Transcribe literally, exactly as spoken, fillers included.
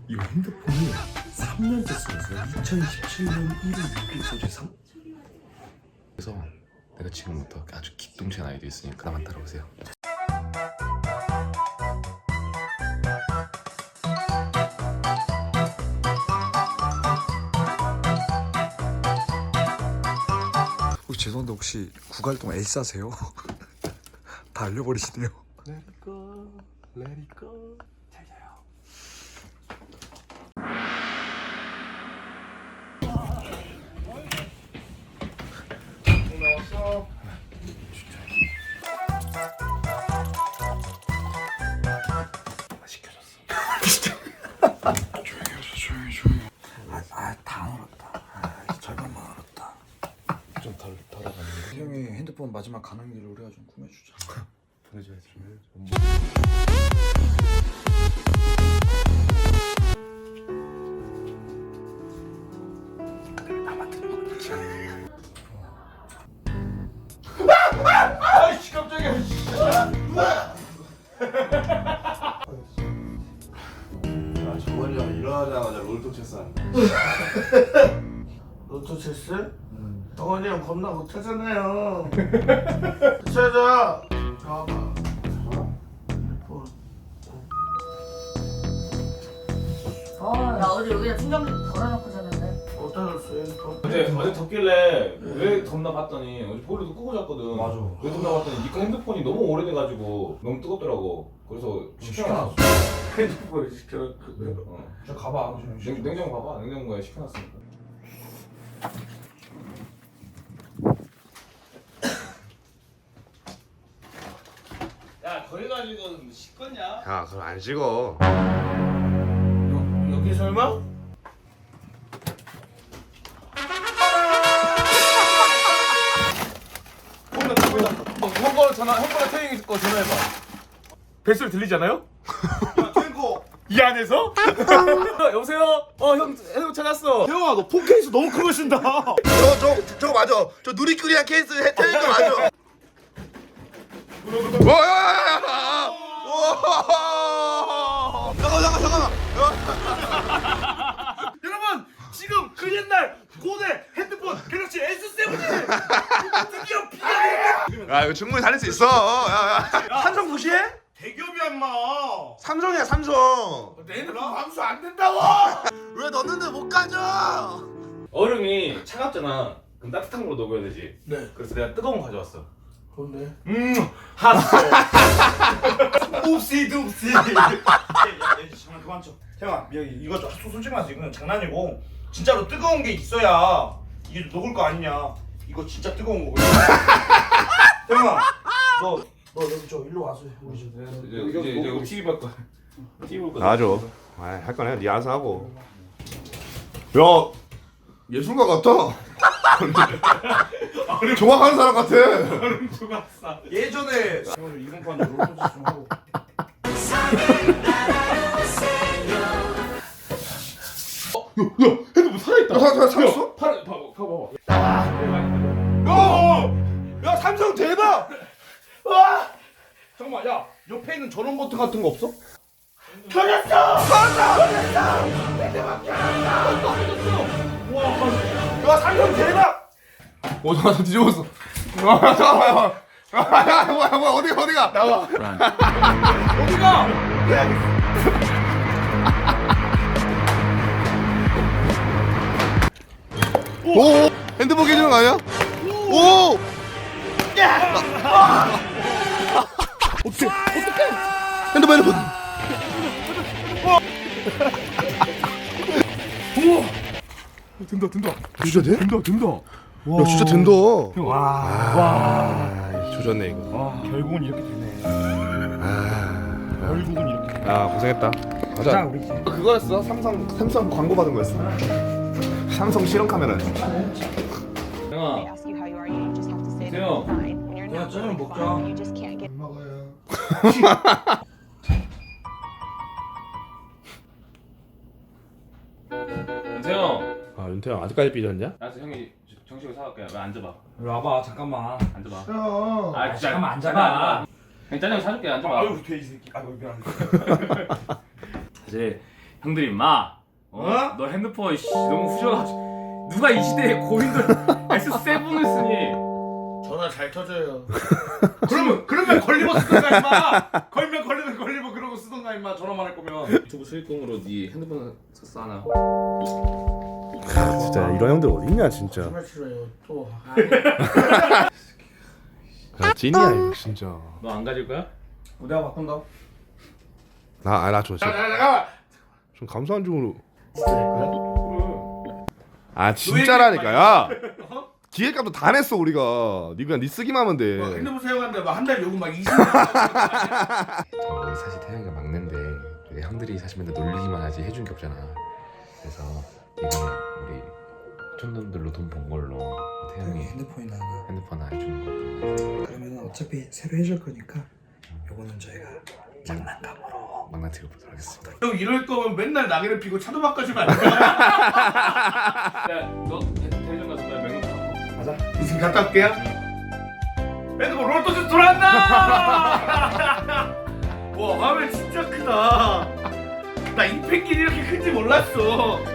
이 핸드폰이 삼 년째 쓰고 있어요. 이천십칠 년 일월 육일 소재 삼. 그래서 내가 지금부터 아주 기똥찬 아이디어 있으니까 나만 따라오세요. 혹시 죄송한데 혹시 구갈동 엘사세요? 다 알려버리시네요. Let it go, let it go. 잘 자요. 나왔어. 시켜줬어. 조용히 하세요. 조용히 조용히. 아다 안 얼었다. 아, 절반만 얼었다. 좀 덜 덜어가는데. 형이 핸드폰 마지막 가는 길을 우리가 좀 꾸며주자. 보내줘야지. 나만 듣는 거지. 아이씨 깜짝이야. 야, 정원이 형 일어나자마자 롤토 체스 한다. 로또 체스? 응. 정원이 형 겁나 못하잖아요. 찾아. 봐봐. 핸드폰. 아, 나 어제 여기다 충전기 걸어놓고 잤는데. 어디다 놨어 핸드폰? 어제 어제 덥길래 왜 덥나 봤더니 어제 보일러도 끄고 잤거든. 맞아. 왜 덥나 봤더니 니꺼 핸드폰이 너무 오래돼가지고 너무 뜨겁더라고. 그래서 시켜놨어. 핸드폰 시켜놨거든. 어. 저 가봐. 냉, 냉장고 봐봐. 냉장고에 시켜놨으니까. 야, 거기 가지고 씻겠냐? 야, 그럼 안 찍어. 여, 여기 설마? 보인다 보인다. 어, 형 거 전화 형 거랑 태영이 거 전화해봐. 뱃소리 들리잖아요? 야, 탱고. 이 안에서? 여보세요? 어형 형 찾았어. 태영아, 너 폰케이스 너무 큰 거 쓴다. 저, 저, 저거 맞아. 저 누리끼리한 케이스 태영이 거 맞아. 와야야야야! 잠깐만, 잠깐만, 잠깐만. 여러분 지금 그 옛날 고대 핸드폰 갤럭시 에스 세븐이 드디어 비가 야, 이거 충분히 살릴 수 있어. 야, 야. 삼성 무시해? 대기업이야 인마. 삼성이야, 삼성. 내 핸드폰 감수 안 된다고. 왜 넣는데 못 가져? 얼음이 차갑잖아. 그럼 따뜻한 걸로 녹여야 되지. 네. 그래서 내가 뜨거운 거 가져왔어. 뭔데? 음 핫소. 옵시 둡시. 야, 야, 장난 그만 쳐. 태영아, 미안 이거 좀 소- 솔직히 말해서 이건 장난이고 진짜로 뜨거운 게 있어야 이게 녹을 거 아니냐. 이거 진짜 뜨거운 거거든. 태영아, 너, 너 여기 저 일로 와서 우리 좀. 이제 이제 이제 우리 티비 볼 거. 티비 볼 거. 놔줘. 아, 할 거네. 네 알아서 하고. 야, 예술가 같다. 종합하는 사람 같아. 예전에 오늘 이번판 롤토스 좀 하고. 핸드폰 살아있다. 야, 사- 사- 살았어? 팔 봐봐 봐봐. 야, 야 삼성 대박! 와! 잠깐만, 야 옆에 있는 전원 버튼 같은 거 없어? 켜졌어! 켜졌어! 대박! 와, 야 삼성 대박! 오, 잠깐만 뒤집었어. 아, 잠깐만. 아, 야, 뭐야, 뭐야, 어디가, 어디가? 나와. 어디가? 오, 핸드폰 깨지는 거 아니야? 오! 어떻게, 어떻게? 핸드폰, 핸드폰. 된다 된다. 진짜 돼? 된다 된다. 야, 진짜 된다. 와. 아, 조졌네, 이거. 와 결국은 이렇게 되네. 아, 결국은 이렇게. 되네. 야, 고생했다. 자 가자. 우리 이제. 그거였어. 삼성, 삼성 광고 받은 거였어. 삼성 실험 카메라였어. 형아. They ask you how you are, you just have to say that Theo. you're fine. When you're 야, not 짜장 feeling 먹자. fine, you just can't get. 먹어요. 태영. 아, 윤태형 아직까지 삐졌냐? 알았어 형이 정식으로 사갈게. 왜 앉아봐. 이리 와봐 잠깐만. 앉아봐. 형. 아 진짜 잠깐만 앉아봐. 형 짜장 사줄게. 앉아봐. 아유 돼이 새끼. 아유 미안. 이제 형들이 임마 어? 어? 너 핸드폰 씨, 너무 후져가지고 누가 이 시대에 고인돌 에스 세븐을 쓰니 전화 잘 터져요. 그러면 그러면 걸리버 쓰던가 임마. 걸면 걸리면 걸리버 그러고 쓰던가 임마. 전화만 할 거면. 유튜브 수익금으로 네 핸드폰 샀어 하나 아, 진짜 이런 형들 어딨냐 진짜. 정말 싫어요. 또. 야, 찐이야 이거 진짜. 너 안 가질 거야? 어, 내가 바꾼다. 나, 아, 나 저, 저, 잠깐만. 좀 감사한 중으로. 그래 아, 진짜라니까, 야! 기획값도 다 냈어, 우리가. 니 그냥 니 쓰기만 하면 돼. 뭐 핸드폰 사용하는데 막 한 달 요금 막 이십만 원. 저 사실 태영이가 막내인데 우리 형들이 사실 맨날 놀리기만 하지 해준 게 없잖아. 그래서 이번에 우리 촌놈들로 돈 번 걸로 태영이 핸드폰이나 하나. 핸드폰 하나 해주는 거. 그러면 어차피 새로 해줄 거니까 요거는 저희가 장난감으로 막나 드려보도록 하겠습니다. 형 이럴 거면 맨날 낙엽을 피고 차도 바꿔주면 안 돼? 야너 대전 가서 나 명함 갖고 가자. 이승 갔다 올게요. 핸드폰 롤토스 돌아왔나? 와 화면 진짜 크다. 나 이 펭귄이 이렇게 큰지 몰랐어.